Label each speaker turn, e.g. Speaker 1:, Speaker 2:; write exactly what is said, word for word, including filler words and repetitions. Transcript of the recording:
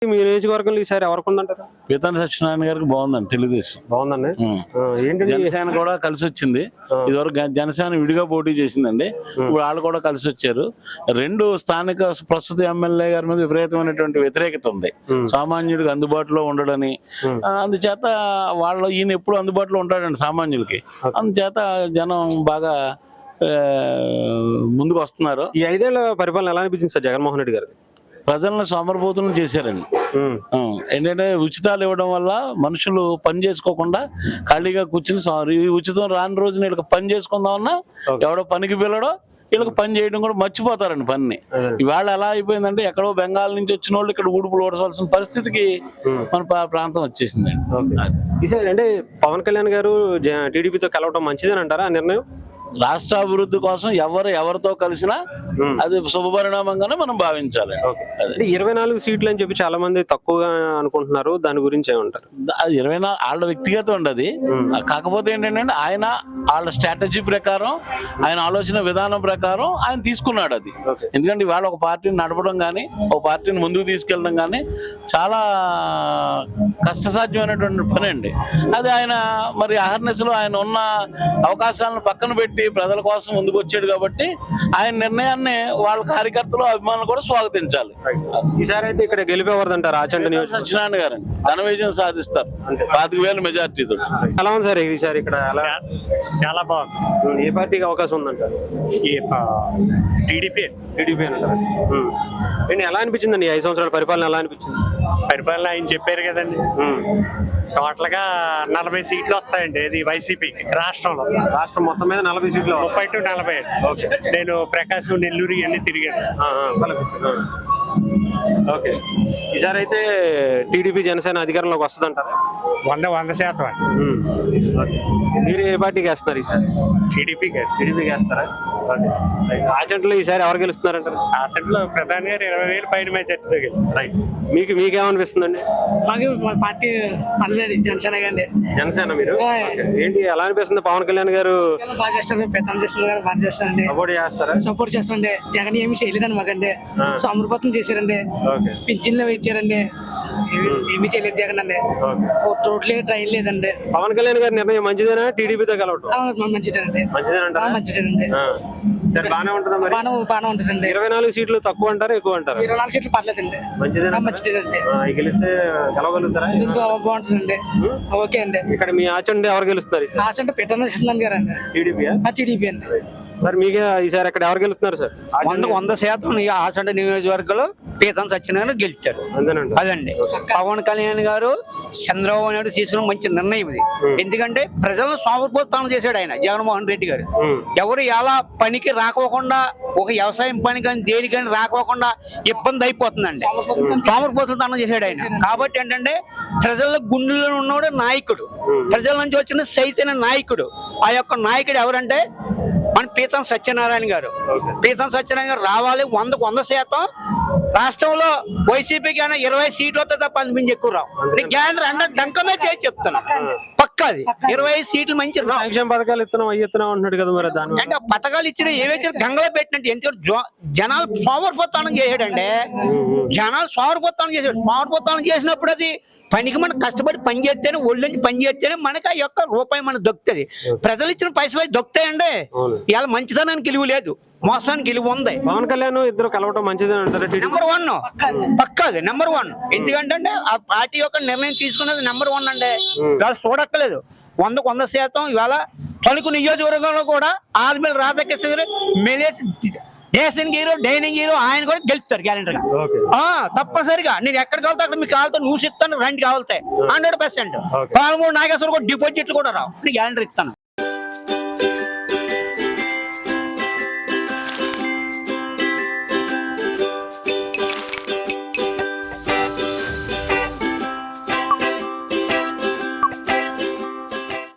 Speaker 1: మీ నియోజకవర్గంలో ఈసారి ఎవరికి ఉందంటారు?
Speaker 2: పీతాని సత్యనారాయణ గారికి బాగుందండి, తెలుగుదేశం
Speaker 1: బాగుందండి. ఏంటి
Speaker 2: జనసేన కూడా కలిసి వచ్చింది. ఇదివరకు జనసేన విడిగా పోటీ చేసిందండి, ఇప్పుడు వాళ్ళు కూడా కలిసి వచ్చారు. రెండు స్థానిక ప్రస్తుత ఎమ్మెల్యే గారి మీద విపరీతమైనటువంటి వ్యతిరేకత ఉంది, సామాన్యుడికి అందుబాటులో ఉండడని. అందుచేత వాళ్ళు ఈయన ఎప్పుడు అందుబాటులో ఉంటాడండి సామాన్యులకి, అందుచేత జనం బాగా ముందుకు వస్తున్నారు.
Speaker 1: ఈ ఐదేళ్ల పరిపాలన ఎలా అనిపించింది సార్ జగన్మోహన్ రెడ్డి గారు?
Speaker 2: ప్రజలను సోమరిపోతులను చేశారండి. ఏంటంటే ఉచితాలు ఇవ్వడం వల్ల మనుషులు పని చేసుకోకుండా ఖాళీగా కూర్చుని సారీ ఉచితం రాని రోజున వీళ్ళకి పని చేసుకుందామన్నా ఎవడో పనికి పిల్లడో వీళ్ళకి పని చేయడం కూడా మర్చిపోతారండి పని. ఇవాళ ఎలా అయిపోయిందంటే ఎక్కడో బెంగాల్ నుంచి వచ్చిన వాళ్ళు ఇక్కడ ఊడుపులు ఓడవలసిన పరిస్థితికి మన ప్రాంతం వచ్చేసిందండి.
Speaker 1: అంటే పవన్ కళ్యాణ్ గారు టీడీపీతో కలవటం మంచిదని అంటారా ఆ నిర్ణయం?
Speaker 2: రాష్ట్ర అభివృద్ధి కోసం ఎవరు ఎవరితో కలిసినా అది శుభపరిణామంగానే మనం భావించాలి.
Speaker 1: ఇరవై నాలుగు సీట్లు అని చెప్పి చాలా మంది తక్కువగా అనుకుంటున్నారు, దాని గురించి ఏమంటారు?
Speaker 2: అది ఇరవై నాలుగు వాళ్ళ వ్యక్తిగత ఉండదు. కాకపోతే ఏంటంటే ఆయన వాళ్ళ స్ట్రాటజీ ప్రకారం, ఆయన ఆలోచన విధానం ప్రకారం ఆయన తీసుకున్నాడు అది. ఎందుకంటే ఇవాళ ఒక పార్టీని నడపడం కానీ ఒక పార్టీని ముందుకు తీసుకెళ్ళడం కానీ చాలా కష్టసాధ్యమైనటువంటి పని అండి. అది ఆయన మరి అహర్నెస్ లో ఆయన ఉన్న అవకాశాలను పక్కన పెట్టి ప్రజల కోసం ముందుకు వచ్చాడు కాబట్టి ఆయన నిర్ణయాన్ని వాళ్ళ కార్యకర్తలు అభిమానులు కూడా స్వాగతించాలి.
Speaker 1: ఈసారి అయితే ఇక్కడ గెలిపేవారు ఆచంట
Speaker 2: సత్యనారాయణ గారు ఘన విజయం సాధిస్తారు పాతిక వేల మెజార్టీతో.
Speaker 1: ఎలా ఉంది సార్ ఈసారి ఇక్కడ?
Speaker 3: చాలా బాగుంది.
Speaker 1: ఏ పార్టీకి అవకాశం ఉందంటారు?
Speaker 3: టీడీపీ
Speaker 1: టీడీపీ అంటారు. ఎలా అనిపించిందండి ఐదు సంవత్సరాల పరిపాలన? ఎలా అనిపించింది
Speaker 3: పరిపాలన? ఆయన చెప్పారు కదండి, టోటల్ గా నలభై సీట్లు వస్తాయండి ఇది వైసీపీకి రాష్ట్రంలో.
Speaker 1: రాష్ట్రం మొత్తం మీద నలభై సీట్లు,
Speaker 3: ముప్పై టు నలభై. నేను ప్రకాశం, నెల్లూరు ఇవన్నీ తిరిగాను.
Speaker 1: ఓకే, ఈసారి అయితే టీడీపీ జనసేన అధికారంలోకి వస్తుందంటారా?
Speaker 3: వంద వంద శాతం అండి.
Speaker 1: మీరు ఏ పార్టీకి వేస్తున్నారు ఈసారి?
Speaker 3: టీడీపీ
Speaker 1: టీడీపీకి వేస్తారా? ఆచంట్లో ఈసారి ఎవరు గెలుస్తున్నారంటారు?
Speaker 3: ఆచంట్లో ప్రధాని గారు ఇరవై వేలు పైన మెజార్టీతో గెలుస్తారు.
Speaker 1: మీకు మీకేమనిపిస్తుందండి?
Speaker 4: మాకు పార్టీ పనిచేది జనసేన అండి.
Speaker 1: జనసేన. మీరు ఏంటి ఎలా అనిపిస్తుంది? పవన్ కళ్యాణ్ గారు
Speaker 4: బాగా చేస్తారు, పెద్ద చేస్తున్నారు, బాగా చేస్తారండి.
Speaker 1: సపోర్ట్ చేస్తారా?
Speaker 4: సపోర్ట్ చేస్తారండి. జగన్ ఏమి చేయలేదండి మాకండి, సమృపతం చేశారండి, పింఛన్లు ఇచ్చారండి, ఏమి చేయలేదు జగన్ అండి. రోడ్లే ట్రైన్ లేదండి.
Speaker 1: పవన్ కళ్యాణ్ గారి నిర్ణయం మంచిదేనా టీడీపీతో కలవటం?
Speaker 4: మంచిదేనండి.
Speaker 1: మంచిదేనంటారా?
Speaker 4: మంచిదేనండి.
Speaker 1: సరే, బాగానే ఉంటుందా మరి?
Speaker 4: బాగానే ఉంటుందండి.
Speaker 1: ఇరవై నాలుగు సీట్లు తక్కువ అంటారా ఎక్కువ అంటారా?
Speaker 4: ఇరవై నాలుగు సీట్లు పర్లేదండి.
Speaker 1: మంచిదేనా?
Speaker 4: మంచిదేనండి.
Speaker 1: గెలిస్తే గెలవగలుగుతారా?
Speaker 4: బాగుంటుందండి. ఓకే అండి.
Speaker 1: ఇక్కడ మీ ఆచండి ఎవరు గెలుస్తారు?
Speaker 4: ఆచండి పీతాని సత్యనారాయణ గారు అండి.
Speaker 1: టీడీపీ
Speaker 4: టీడీపీ అండి.
Speaker 1: సార్ మీకే ఈసారి అక్కడ ఎవరు గెలుస్తున్నారు సార్?
Speaker 5: వందకు వంద శాతం ఆచండ నియోజకవర్గంలో పీతాని సత్యనారాయణ గెలిచారు. అదండి పవన్ కళ్యాణ్ గారు చంద్రబాబు నాయుడు తీసుకున్న మంచి నిర్ణయం ఇది. ఎందుకంటే ప్రజలను సోమరిపోతానం చేశాడు ఆయన జగన్మోహన్ రెడ్డి గారు. ఎవరు ఎలా పనికి రాకోకుండా, ఒక వ్యవసాయం పని కానీ దేనికని రాకోకుండా ఇబ్బంది అయిపోతుందండి. సోమరిపోతానం చేశాడు ఆయన. కాబట్టి ఏంటంటే ప్రజల గుండెల్లో ఉన్నవాడు నాయకుడు, ప్రజల నుంచి వచ్చిన చైతన్య నాయకుడు. ఆ యొక్క నాయకుడు ఎవరంటే మన పీతాని సత్యనారాయణ గారు. పీతాని సత్యనారాయణ గారు రావాలి. వందకు వంద శాతం రాష్ట్రంలో వైసీపీకి అయినా ఇరవై సీట్లు వస్తే తప్ప అనిపించి ఎక్కువ రావు. కేంద్రం అంటే దంకమే చేసి చెప్తాను, పక్కది ఇరవై సీట్లు మంచి
Speaker 1: సంక్షేమ పథకాలు ఇస్తున్నాం అవి ఇస్తున్నాం అంటున్నాడు కదా. మరి దాని
Speaker 5: అంటే పథకాలు ఇచ్చిన ఏవైతే గంగలో పెట్టినట్టు. ఎందుకంటే జనాలు సోమరిపోతానం చేసాడంటే, జనాలు సోమరిపోతానం చేసాడు. సోమరిపోతానం చేసినప్పుడు అది పనికి మనం కష్టపడి పని చేస్తేనే, ఒళ్ళు నుంచి పని చేస్తేనే మనకి ఆ యొక్క రూపాయి మనకు దొక్కుతుంది. ప్రజలు ఇచ్చిన పైసలు దొక్కుతాయండి. ఇవాళ మంచితనానికి విలువ లేదు, మోసానికి విలువ ఉంది.
Speaker 1: పవన్ కళ్యాణ్ ఇద్దరు కలవటం మంచిదని అంటారు.
Speaker 5: నెంబర్ వన్ పక్కది నెంబర్ వన్. ఎందుకంటే ఆ పార్టీ యొక్క నిర్ణయం తీసుకున్నది నెంబర్ వన్ అండి. ఇవాళ చూడక్కలేదు. వందకు వంద శాతం ఇవాళ తణుకు నియోజకవర్గంలో కూడా ఆర్మీల రాధాకృష్ణ గారు మెలేసి డేసింగ్ హీరో, డైనింగ్ హీరో ఆయన కూడా గెలుస్తారు గ్యారెంటీ గా. తప్పనిసరిగా నేను ఎక్కడికి వెళ్తా అక్కడ మీకు కావాలతో నువ్వు ఇస్తాను, రెండు కావాలతాయి హండ్రెడ్ పర్సెంట్. పాలమూడు నాగేశ్వర కూడా డిపాజిట్లు కూడా రావు, గ్యారెంటీ ఇస్తాను.